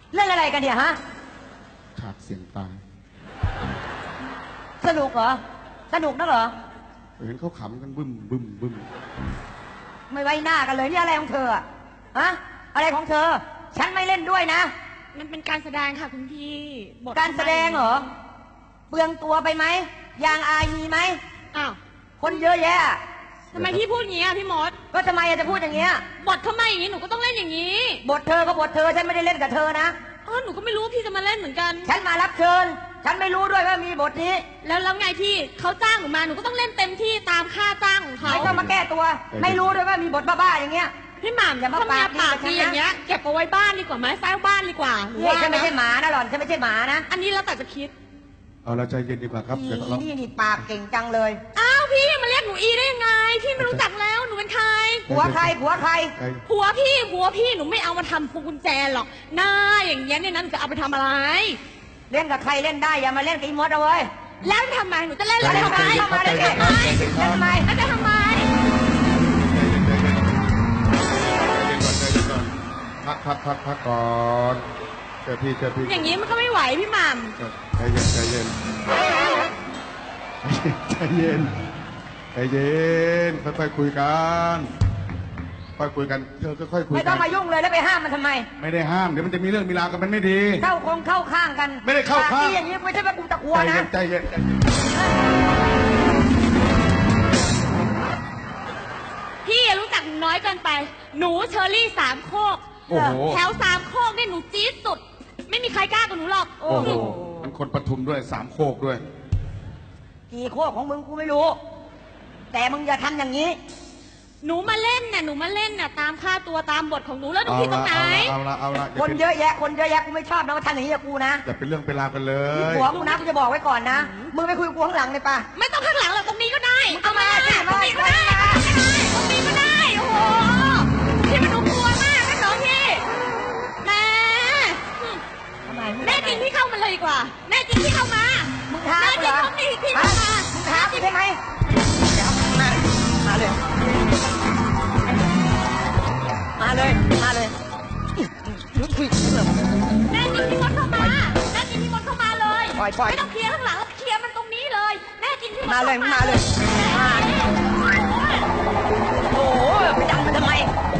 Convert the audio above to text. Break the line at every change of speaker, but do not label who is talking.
เรื่องอะไรกันเนี่ยฮะ
ฉากเสียงตาย
สนุกเหรอสนุกนักเหรอ
เห็นเขาขำกันบึ้มบึ้มบึ้ม
ไม่ไว้หน้ากันเลยนี่อะไรของเธอฮะอะไรของเธอฉันไม่เล่นด้วยนะ
มันเป็นการแสดงค่ะคุณพี่บท
การแสดงเหรอเปลืองตัวไปไหมยางอายมีไหม
อ้าว
คนเยอะแยะ
ทำไมพี่พูดอย่างนี้อ่ะพี่มด
ก็ทำไมจะพูดอย่างเงี้ย
บททำไมอย่างนี้หนูก็ต้องเล่นอย่างนี้
บทเธอก็บทเธอฉันไม่ได้เล่นกับเธอนะ
หนูก็ไม่รู้พี่จะมาเล่นเหมือนกัน
ฉันมารับเชิญฉันไม่รู้ด้วยว่ามีบทนี้
แล้วไงพี่เขาจ้างหนูมาหนูก็ต้องเล่นเต็มที่ตามค่าจ้างของเขา
ไม่ต้องมาแก้ตัวไม่รู้ด้วยว่ามีบทบ้าๆอย่างเงี้ย
พี่หม่ำอย่ามาปากดีอย่างเงี้ยเก็บเอาไว้บ้านดีกว่าไหมเฝ้าบ้านดีกว่า
ฉันไม่ใช่หมานะหล่อนฉันไม่ใช่หมานะ
อันนี้แล้วแต่จะคิด
เอาละใจเย็นดีกว่าครับเดี๋ยวเรา
นี่ปากเก่งจังเลย
อ้าวพี่มาเรียกหนูอีได้ยังไงพี่ไม่รู้จักแล้วหนูเป็นใคร
ผัวใครผัวใคร
ผัวพี่หนูไม่เอามาทำพวงกุญแจหรอกหน้าอย่างเงี้ยเนี่ยนั่นจะเอาไปทำอะไร
เล่นกับใครเล่นได้อย่ามาเล่นกับอีมดเอาเว้ย
แล้วทำไมหนูจะเล่นอะไรทำไม
เล่นทำไม
แล้วจะทำไม
พักก่อนเจอพี่
อย่างนี้มันก็ไม่ไหวพี่หม่ำ
ใจเย็นใจเย็นค่อยๆคุยกันค่อยคุยกันเธอค่อยคุยกัน
ไม่ต้องมายุ่งเลยแล้วไปห้ามมันทำไม
ไม่ได้ห้ามเดี๋ยวมันจะมีเรื่องมีราวกันมันไม่ดี
เข้าข้างกัน
ไม่ได้เข้าข้าง
อย่างนี้ไม่ใช่ว่ากูตะกัวนะ
ใจเย็น
พี่รู้จักน้อยเกินไปหนูเชอรี่สามโคกแถวสามโคกเนี่ยหนูจี๊ดสุดไม่มีใครกล้ากับหนูหรอก
โอ้โหมันคนปทุมด้วยสามโคกด้วย
กี่โคกของมึงกูไม่รู้แต่มึงอย่าทำอย่างนี้
หนูมาเล่นน่ะตามค่าตัวตามบทของหนูแล้วหนูผิดตรงไหน
เอาละ
คนเยอะแยะกูไม่ชอบนะมาทำอย่างนี้กับกูนะ
อย่าเป็นเรื่องเป็นราวกันเลย
ผัวกูนะกูจะบอกไว้ก่อนนะมึงไปคุยกับกูข้างหลังเลยป่ะ
ไม่ต้องข้างหลังหรอกตรงนี้ก็ได้เอามาตรงนี้ก็ได้ตรงนี้ก็ได้โอ้โหพี่มันดูกลัวมากนะน้องพี่แน่จริงพี่เข้ามาเลยดีกว่าแน่จริงพี่เข้ามา
มึงท้าเหรอ
พี่เข้ามา
มึงท้าใช่ไหมมาเลยแน่จริง
พี่มดเข้ามาเลยไม่ต้องเคลียร์ข้างหลังเคลียร์มันตรงนี้เลยแน่จริงพี่มด
มาเลยโอ้โหไปดังมันทำไม